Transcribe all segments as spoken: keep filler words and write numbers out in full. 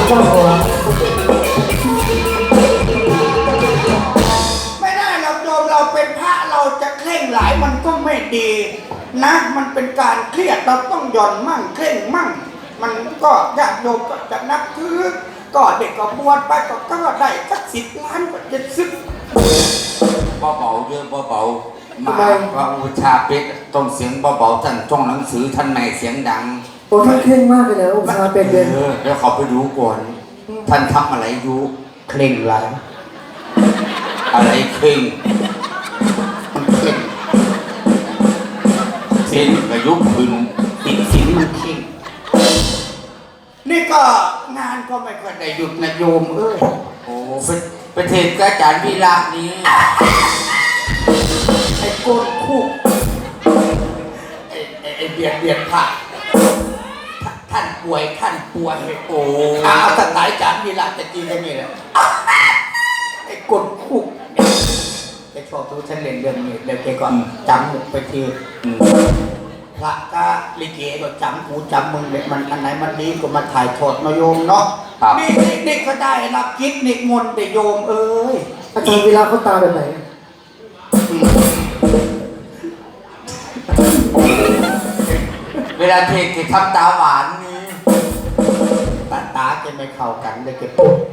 เจ้าหัวไม่ได้เราโยมเราเป็นพระเราจะเคร่งหลายมันก็ไม่ดีนะมันเป็นการเครียดเราต้องหย่อนมั่งเคร่งมั่งมันก็ญาติโยมก็จะนับถือก็เด็กก็บวชไปก็ก็ได้สักสิบล้านก็จะซื้อเบาๆเยอะเบาๆมาพระอุชาเป็ดต้องเสียงเบาๆท่านจ้องหนังสือท่านในเสียงดังโอ้ท่านเคร่งมากเลยนะอุชาเป็ดเลยเดี๋ยวเขาไปดูก่อนท่านทำอะไรอยู่เคร่งหลายอะไรเคร่งมันเคร่งเส้นกระยุกขึ้นติดสินมันเคร่งนี่ก็งานก็ไม่ค่อยได้หยุดนะโยมเอ้ยโอ้เป็นประเทศกระจานวิลาศนี้ไอ้โกนคู่ไอ้ไอ้ไอ้เบียดเบียดผ่าท่านป่วยท่านป่วยโอ้เอาสไตล์จานวิลาศจะจริงกันนี่แหละไอ้โกนคู่แกชอบดูฉันเล่นเรื่องนี้เดี๋ยวแกก่อนจำหมุกไปทีพระก็ลิเกก็จำกูจำมึงเนี่ยมันอันไหนมันดีก็มาถ่ายทอดมาโยมเนาะนี่นี่ก็ได้รับกิจนิมนต์แต่โยมเอ้ยอาจารย์เวลาเขาตาแบบไหนเวลาเทศทำตาหวานนี่ตาตาจะไม่เข้ากันเลยเก็บ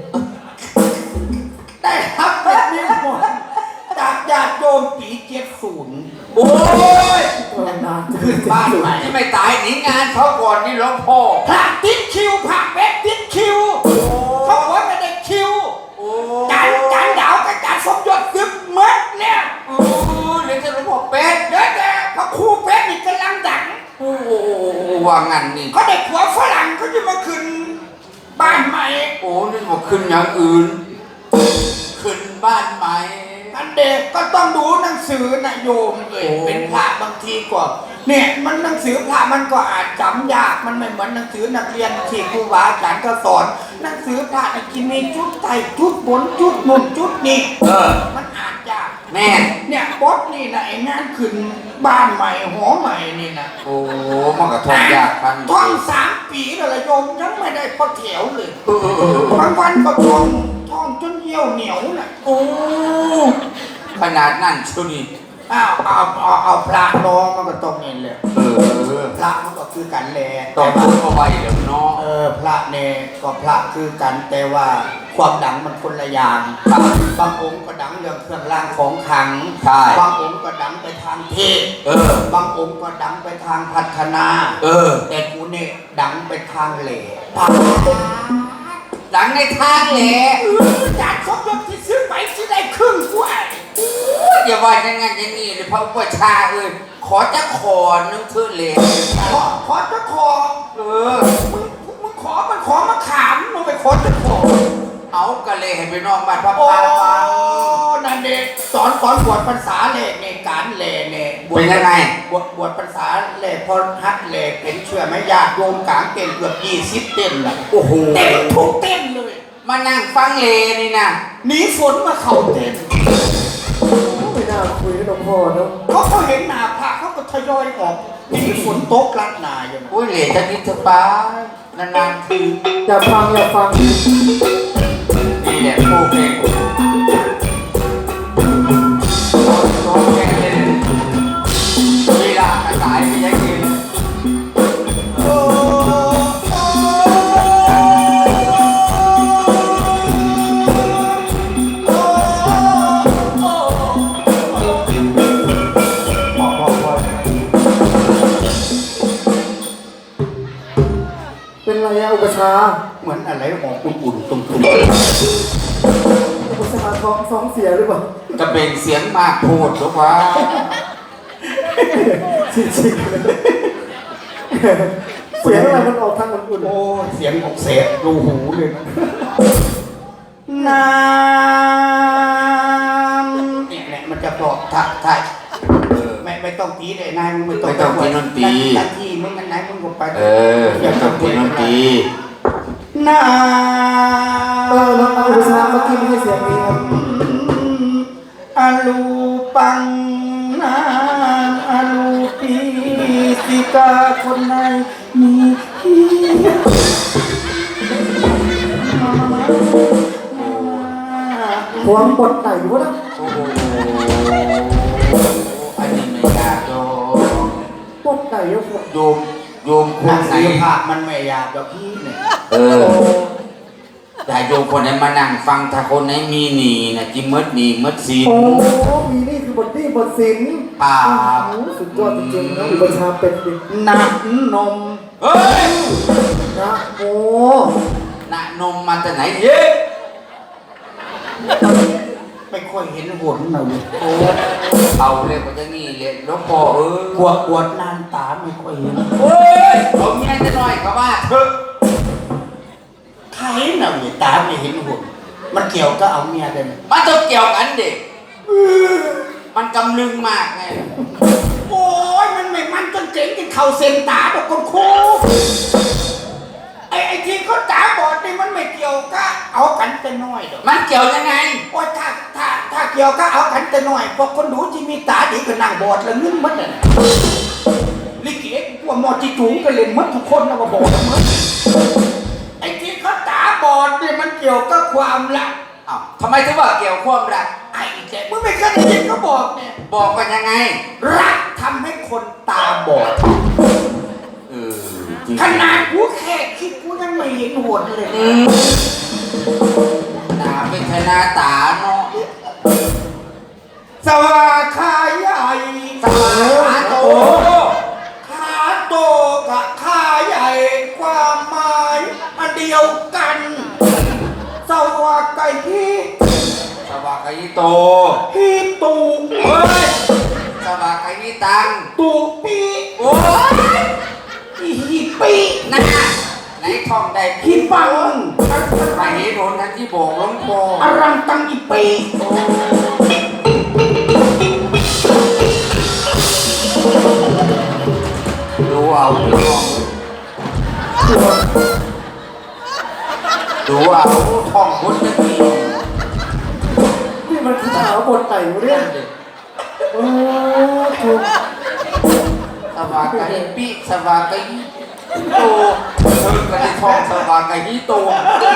ได้รับกิจนิมนต์จากญาติโยมปีเจ็ดศูนย์โอ้ยขึ้นบ้านใหม่ที่ไม่ตายหนีงานเขาก่อนนี่หลวงพ่อพระติดคิวพระเบ็ดติดคิวเขาบอกไม่ได้คิวจานจานดาวกับจานสมยศซึบเมื่อเนี่ยโอ้เรียนจะหลวงพ่อเป็ดเด็ดเด็ดพระครูเป็ดนี่กำลังดังโอ้ว่างั้นนี่เขาได้ผัวฝรั่งเขาจะมาขึ้นบ้านใหม่โอ้นี่บอกขึ้นอย่างอื่นขึ้นบ้านใหม่อันเด็กก็ต้องดูหนังสือนะโยมเลยเป็นพระบางทีก็เนี่ยมันหนังสือพระมันก็อ่านจำยากมันไม่เหมือนหนังสือนักเรียนที่ครูบาอาจารย์ก็สอนหนังสือพระนะกินมีจุดไต่จุดบนจุดนุ่นจุดนี่เออมันอ่านยากแม่เนี่ยบดนี่นะไอ้งานขึ้นบ้านใหม่หอใหม่นี่นะโอ้มันก็ท่องยากพันท่องสามปีแล้วละโยมยังไม่ได้พอแถวเลยบางวันก็ท่องท่องจนเยี่ยวเหนียวน่ะโอ้ขนาดนั่นชุนี่อ้าวเอาเอาเอาพระน้องมันก็ต้องนี่เลยเออพระมันก็คือกันแหละต้องพูดเอาไว้เดี๋ยวน้องเออพระเนี่ยก็พระคือกันแต่ว่าความดังมันคนละอย่างบางองค์ก็ดังเรื่องเครื่องรางของขลังบางองค์ก็ดังไปทางเทศเออบางองค์ก็ดังไปทางพัฒนาเออแต่กูเนี่ยดังไปทางเหล่ดังในทางเหล่จากสมยศที่ซื้อไปที่ได้ครึ่งกว่าอย่าว่าอย่างงั้นอย่างนี้เลยพระอุปชาเอ้ยขอจะขอนึงเธอเลยขอขอจะขอเออมึงมึงขอมันขอมาขามมึงไปขอจะขอเอากะเลยให้ไปนอกบ้านพระพาฟังนั่นเด็กสอนสอนบวชภาษาเล่ในการเล่เนี่ยเป็นยังไงบวชบวชภาษาเล่พอฮัดเล่เป็นเชื่อไหมญาติโยมกลางเต้นเกือบยี่สิบเต้นละโอ้โหเต้นทุกเต้นเลยมานั่งฟังเลนี่นะหนีฝนมาเข่าเต้นไม่น่าคุยกับหลวงพ่อเนาะเขาเขาเห็นหนาพระเขาก็ทยอยออกหนีฝนตกลัดนาอยู่โอ้ยเหล่จะนิสปานานๆทีอย่าฟังอย่าฟังนี่แหละผู้เพลงร้องเพลงเลยเวลากระสายไม่ใช่กินเป็นไรอะอุปชาเหมือนอะไรออกอุ่นๆตุ่มๆอุปชาท้องท้องเสียหรือเปล่ากระเบงเสียงมากโพดหรือว่าจริงๆเสียงอะไรมันออกทางอุ่นๆโอ้เสียงออกเสียรูหูเลยน้ำเนี่ยเนี่ยมันจะบอกทักทายไม่ไม่ต้องตีเลยนายมึงไม่ต้องไม่ต้องตีนนตีหน้าที่มึงกันไหนมึงก็ไปเอออย่าต้องตีนนตีน้ำเออแล้วเอาอุปชาเมื่อกี้ไม่ใช่เสียงนี้ครับอาลูปังนาอาลูปีสิกาคนไหนมีหวงบทไหนวะนะโอ้โหอันนี้ไม่ยากโยมบทไหนวะโยมโยมคนันกไหนศิลปะมันไม่อยากแบบพี่เนี่ยเออแต่โยมคนไหนมานั่งฟังถ้าคนไหนมีหนีนะจิมดหนีมดศีลโอ้มีนี่คือบทนี่บทศิลป์ป่าโอ้สุดยอดจริงๆนะอุปชาเป็นดิหนักนมเฮ้ยนะโอ้น่ะนมมาจากไหนเย้ไม่ค่อยเห็นหุ่นหน่อยโอ้เอาเลยกว่าจะนี่เลยหลวงพ่อเออกลัวปวดนานตาไม่ค่อยเห็นโอ้ยเอาเมียจะหน่อยก็ว่าเถอะใครน่ะเนี่ยตาไม่เห็นหุ่นมันเกี่ยวก็เอาเมียได้ไหมมันต้องเกี่ยวกันเด็กมันกำลึงมากไงโอ้ยมันไม่มันจนเจ๋งจนเข่าเส้นตาดอกคนครูไอ้ไอ้ที่เขาตาบอดนี่มันไม่เกี่ยวก็เอากันแต่น้อยดอกมันเกี่ยวยังไงโอ้ยถ้าถ้าถ้าเกี่ยวก็เอากันแต่น้อยพวกคนดูที่มีตาดีก็นั่งบอดแล้วนึกมันน่ะลิเกพวกหมอจีจูงก็เล่นมัดทุกคนนะว่าบอดมั้งไอ้ที่เขาตาบอดนี่มันเกี่ยวกับความรักอ้าวทำไมถึงว่าเกี่ยวความรักไอ้แกมึงไม่เคยได้ยินเขาบอกเนี่ยบอกกันยังไงรักทำให้คนตาบอดเออจริงขนาดกูแค่คิดกูยังไม่เห็นหัวเลยอืมหนาเป็นชนะตาเนาะสวาขาใหญ่สวาขาโตขาโตกับขาใหญ่ความหมายอันเดียวกันสวาไก่ที่สวาไก่โตที่ตูเฮ้ยสวาไก่ตังตูปีโอ้ยอีฮีปีนะไหนท่องได้ฮีปังไปเห็นหนทันที่บอกหลวงพ่ออรังตังอีปีดูเอาดูเอาดูเอาท่องบนจะมีนี่มันคือสาวบทไหนวะเนี่ยโอ้ถูกสวาไก่ปีสวาไก่โตเธอก็ได้ท่องสวาไก่โต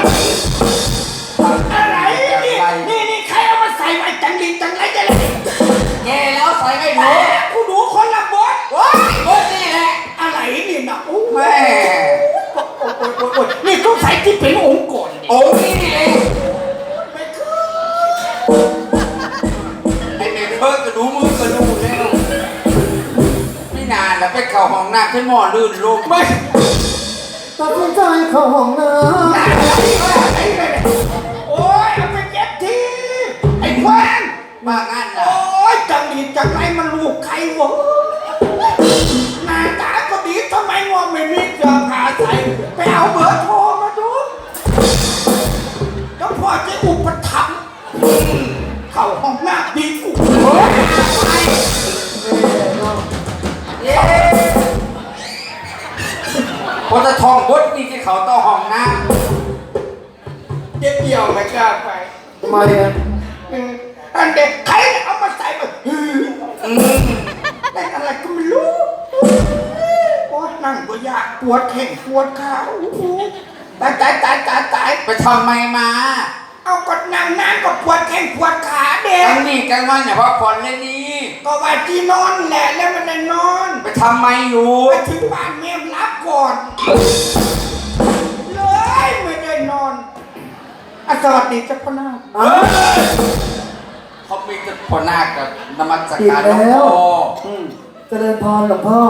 อะไรนี่นี่นี่ใครเอามาใส่ไว้จังลิงจังไรจังไรแกแล้วใส่ไม่แหมรู้กูดูคนละบทว้ายบนนี่แหละอะไรนี่นะโอ้แม่ยนี่ต้องใส่ที่เป็นองค์ก่อนเนี่ยโอ้นี่เองไม่คือไอ้เมย์เพิ่งกระดูมือกระดูแล้วไม่นานแล้วไปเข่าห้องน้ำขึ้นหม้อลื่นลงไม่ตัดสินใจเข้าห้องน้โอ้ยเอาไปเก็บทีไอ้ควานมางั้นโอ้ล่ะยจังดีจังไรมันลูกใครวะหน้าตาก็ดีทำไมงอไม่มีเสื้อผ้าใส่ไปเอาเบอร์โทรมาดูแล้วพ่อจะอุปถัมภ์เข้าห้องน้ำดีกูเฮ้ยไปำเย้พอจะท่องบทนี่ที่เขาต้องห้องน้เด็กเดียวไม่กล้าไปทำไมอ่ะเอออันเด็กใครเอามาใส่มาฮือำอืมแต่อะไรก็ไม่รู้โอ้ยนั่งก็ยากปวดแข้งปวดขาโอ้โหตายตายตายตายตายไปทำไมมาเอาก็นั่งนานก็ปวดแข้งปวดขาเด็กตั้งนี่กันวันเนี่ยพักผ่อนเลยนี่ก็ว่าที่นอนแหละแล้วมันได้นอนไปทำไมอยู่ไปถึงบ้านเมียรับก่อนเลยไม่ได้นอนอ่ะสวัสดีเจ้าพ่อนาคอ้าวเขามีกันพอนาคกับนมัสผิดการหลวงแล้วพ่ออืมเจริญพรหลวงพ่อ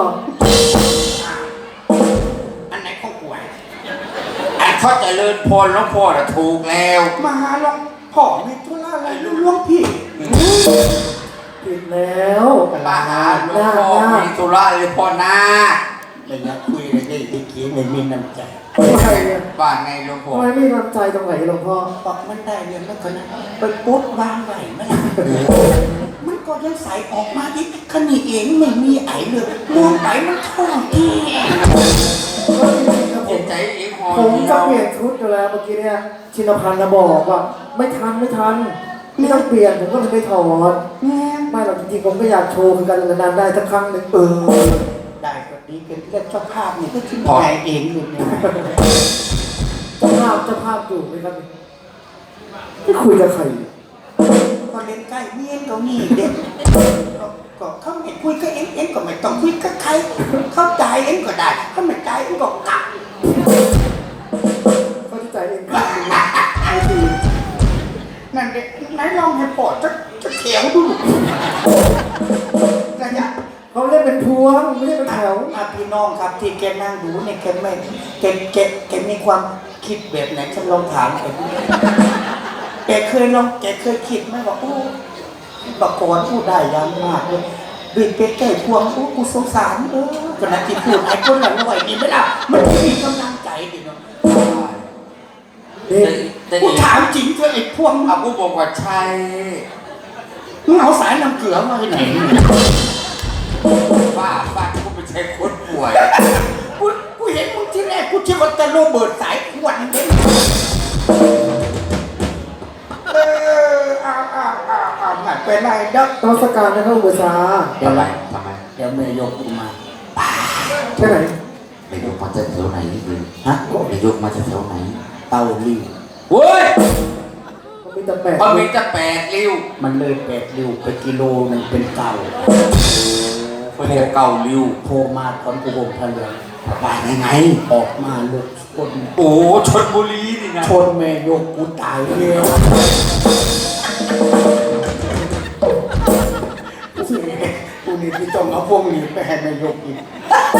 อันไหนของป่วยอันเขาเจะเลิญพรหลวงพ่อน่ะถูกแล้วมาหาหลวงพ่อไม่ทุระอะไรหลวงพี่ผิดแล้วมาหาหลวงพ่อมีธุระเลยพ่อนาคไม่อยากคุยเลยได้ที่กี้ไม่มีน้ำใจทำไมอ่ะบ้านไงหลวงพ่อทำไมไม่น้ำใจตรงไหนหลวงพ่อบอกมันได้เรียนแล้วก็นะไปปุ๊บวางไหวไหมล่ะมันก็ยังใส่ออกมาดิขณีเองไม่มีไอเลยมองไปมันท้องเองก็จริงๆนะผเห็มนใจเองหอผมเดียจะวเปลี่ยนชุดอยู่แล้วเมื่อกี้เนี่ยชินพันธ์นะบอกว่าไม่ทันไม่ทันไม่ต้องเปลี่ยนผมก็เลยไม่ถอดแม่ไม่หรอกจริงๆผมก็อยากโชว์เหมือนกันนานๆได้สักครั้งหนึ่งเออได้ก็ดีเป็นเรื่องเจ้าภาพนี่ก็ชิ้นใจเองอยู่เนี่ยเจ้าภาพเจ้าภาพอยู่ไหมครับอไม่คุยกับใครก็เล่นใกล้เมียนก็มีเด็กก็เขาไม่คุยกับเอ็งเอ็งก็ไม่ต้องคุยกับใครเข้าใจเอ็งก็ได้เขาไม่ใจเอ็งก็กลับเขาจะจ่ายเองครับไม่ดีนั่นเด็กไหนลองให้ปอดจะจะแถวดูระยะเขาเล่นเป็นพวงไม่เล่นเป็นแถวอาพี่น้องครับที่แกนั่งดูเนี่ยแกไม่แกแกแกมีความคิดแบบไหนฉันลองถามแกดูแกเคยลองแกเคยคิดไหมว่าโอ้บักกอนพูดได้ยังมากเลยดูเป็ดไก่พวงโอ้กูสงสารเออขณะที่พูดไอ้คนหลังไหวนี่ไม่ล่ะมันไม่มีกำลังใจดิเนาะนี่แต่กูอีถามจริงเถอะไอ้พวงเอากูบอกว่าใช่มึงเอาสายน้ำเกลือมาที่ไหนบ้าบ้ากูไม่ใช่คนป่วยกูกูเห็นมึงที่แรกกูคิดว่าจะโรเบิร์ตสายขวัญเด้เออเอาเอาเอาเอาไม่เป็นไรเด้อต้องสการนะครับอุปชาเดี๋ยวทำไมไรทำไมเดี๋ยวแม่ยกกูมาแค่ไหนนายกมาจากแถวไหนนี่คือฮะนายกมาจากแถวไหนเต้าริ้วเว้ยมันมีแต่แปดมันมีแต่แปดริ้วมันเลยแปดริ้วไปกิโลหนึงเป็นเก่าโอ้โหเก่าริ้วโทรมาตอนกูโงพะเลืองไปยังไงออกมาลุกชนโอ้ชนบุรีนี่นะชนแม่ยกกูตายแล้วกูนี่ที่ต้องเอาพวกนี้ไปให้แม่ยกอีก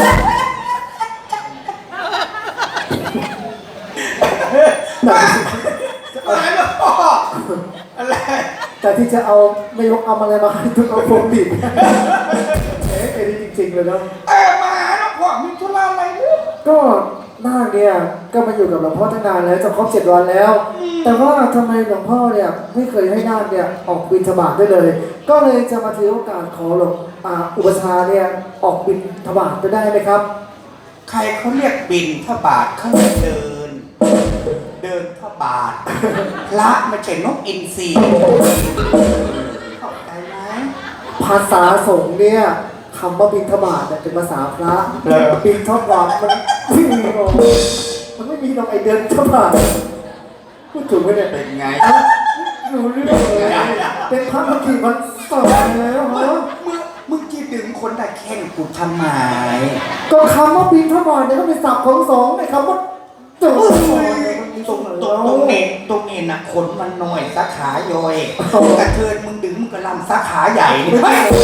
อะไรนะพ่ออะไรแต่ที่จะเอาไม่ยกเอาอะไรมาให้ทุกเอาพวงดิบเอ๊ะไอ้นี่จริงๆเลยเนาะเออมาแล้วพ่อมีธุระอะไรเนี่ยก็นาคเนี่ยก็มาอยู่กับหลวงพ่อตั้งนานแล้วจะครบเจ็ดวันแล้ว แต่ว่าทำไมหลวงพ่อเนี่ยไม่เคยให้นาคเนี่ยออกบิณฑบาตได้เลย ก็เลยจะมาถือโอกาสขอหลวงอ่าอุปชฌาย์เนี่ยออกบิณฑบาตไปได้ไหมครับใครเขาเรียกบินทบาทเขาเรียกเดิน เดินทบาทพระไม่ใช่นกอินทรีเข้าใจไหมภาษาสงฆ์เนี่ยคำว่าบิณฑบาตเนี่ยเป็นภาษาพระบิณฑบาตมันไม่มีหรอกมันไม่มีหรอกไอเดินฑบาตพูดถูกไหมเนี่ยเป็นไงรู้เรื่องเลยเป็นพระมากี่วันสองแล้วเหรอมึงมึงจีดึงคนได้แข่งกูทำไมก็คำว่าบิณฑบาตเนี่ยก็เป็นศัพท์ของสงฆ์ไอคำว่าจุดเนี่ยมันมีตตรรง งไหนตรงแล้วตรงเน็ตตรงเน็ตนะขนมันน้อยสาขาย่อยกระเทินมึงดึงมึงก็ลำสาขาใหญ่นี่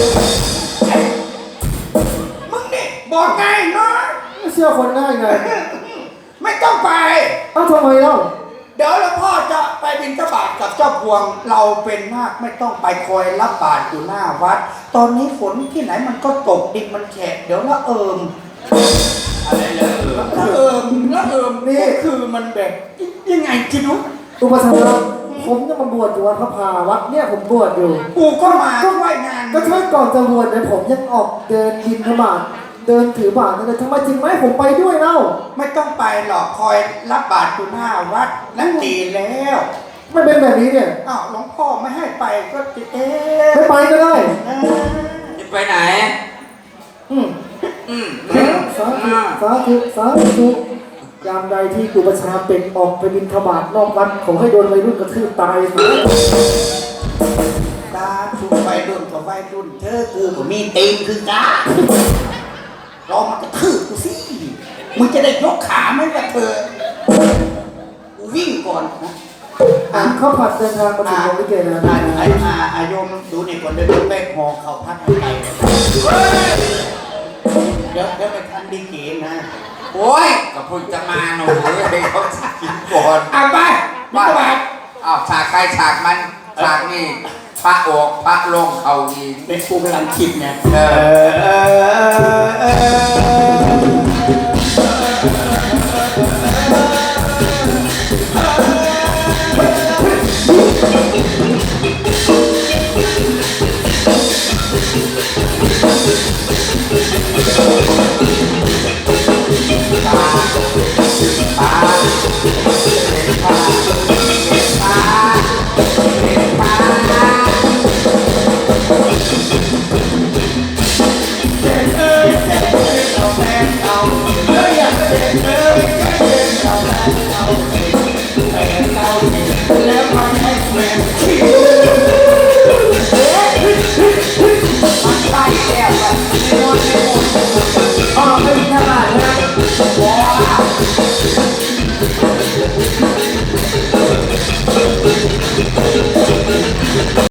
มึงเนี่ยบอกไงเนาะไม่เชื่อคนง่ายไงไม่ต้องไปเอ้าทำไมเล่าเดี๋ยวแล้วพ่อจะไปบิณฑบาตกับเจ้าพวงเราเป็นมากไม่ต้องไปคอยรับบาตรอยู่หน้าวัด ตอนนี้ฝนที่ไหนมันก็ตกดินมันแฉะเดี๋ยวละเอิมอะไรเลยเออละเอิมละเอิมนี่คือมันแบบยังไงคิดดูอุปชฌาย์ผมจะมาบวชอยู่วัดพระพาวัดเนี่ยผมบวชอยู่กูก็มาก็ไหวงานก็ช่วยก่อนจะบวชเนี่ยผมยังออกเดินบิณฑบาตเดินถือบาตรเลยทำไมจริงไหมผมไปด้วยเล่าไม่ต้องไปหรอกคอยรับบาตรอยู่หน้าวัดนั่นดีแล้วไม่เป็นแบบนี้เนี่ยอ้าวหลวงพ่อไม่ให้ไปก็จะเอ๊ะไม่ไปก็ได้จะไปไหนอืมอืมสาธุสาธุสาธุยามใดที่อุปชฌาย์เป็นออกไปบิณฑบาตนอกวัดขอให้โดนวัยรุ่นกระทืบตายสิตาทุกไฟรุ่นกับไฟรุ่นเธอกูก็มีตีนคือกาลองมากระทืบกูสิมึงจะได้ยกขาไหมล่ะเธอกูวิ่งก่อนนะอ่ะข้าวผัดเดินทางมาถึงโรงลิเกแล้วอานะอาอาอายมดูนี่ก่อนเดินไปหอเขาพัดให้ไกลเดี๋ยวเดี๋ยวไปทันดีเกนะโอ้ยก็เพิ่งจะมาหนูให้เขากินก่อนอ่ะไปไปไปอ้าวฉากใครฉากมันฉากนี่พระออกพระลงเขาอีกเป็นกูกำลังคิดไงเออเอ้ยเอ้ยเอ้ยเอาแม่ตาเก่าแล้วมันไม่แปลกที่